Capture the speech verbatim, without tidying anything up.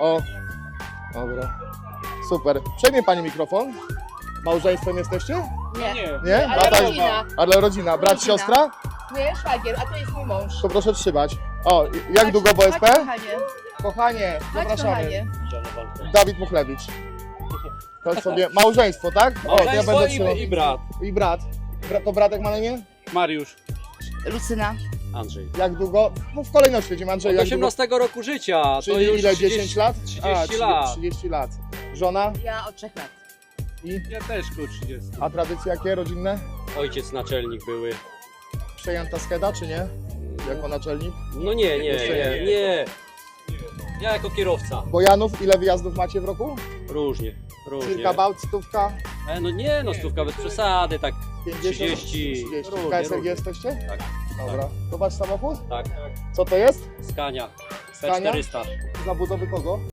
O, dobra. Super. Przejmie pani mikrofon. Małżeństwem jesteście? Nie. Nie. Nie? Ale Brata- rodzina. Ale rodzina. Brat, Rodzina. siostra? Nie, szwagier, a to jest mój mąż. To proszę trzymać. O, jak długo w O S P? Chodź, kochanie. Kochanie, Chodź, zapraszamy. kochanie. Dawid Muchlewicz. To sobie małżeństwo, tak? O, to ja Małżeństwo będę i, trzymał. i brat. I brat. Bra- To bratek ma na imię? Mariusz. Lucyna. Andrzej. Jak długo? No w kolejności będziemy. Andrzej, Od jak długo? osiemnastego roku życia, to Czyli już ile? trzydzieści, dziesięć lat? trzydzieści A, lat. trzydzieści lat. Żona? Ja od trzech lat. I? Ja też koło trzydzieści. A tradycje jakie rodzinne? Ojciec naczelnik były. Przejęta Skeda, czy nie? Jako naczelnik? No nie, nie, Jeszcze nie. nie, nie. Ja jako kierowca. Bojanów, ile wyjazdów macie w roku? Różnie, różnie. Kilka bałt, stówka, E, no nie, no stówka bez przesady, tak pięćdziesiąt, trzydzieści. trzydzieści. Różnie, K S L G różnie. jesteście? Tak, Dobra. To wasz samochód? tak. Co to jest? Skania. P Skania? czterysta. Zabudowy kogo?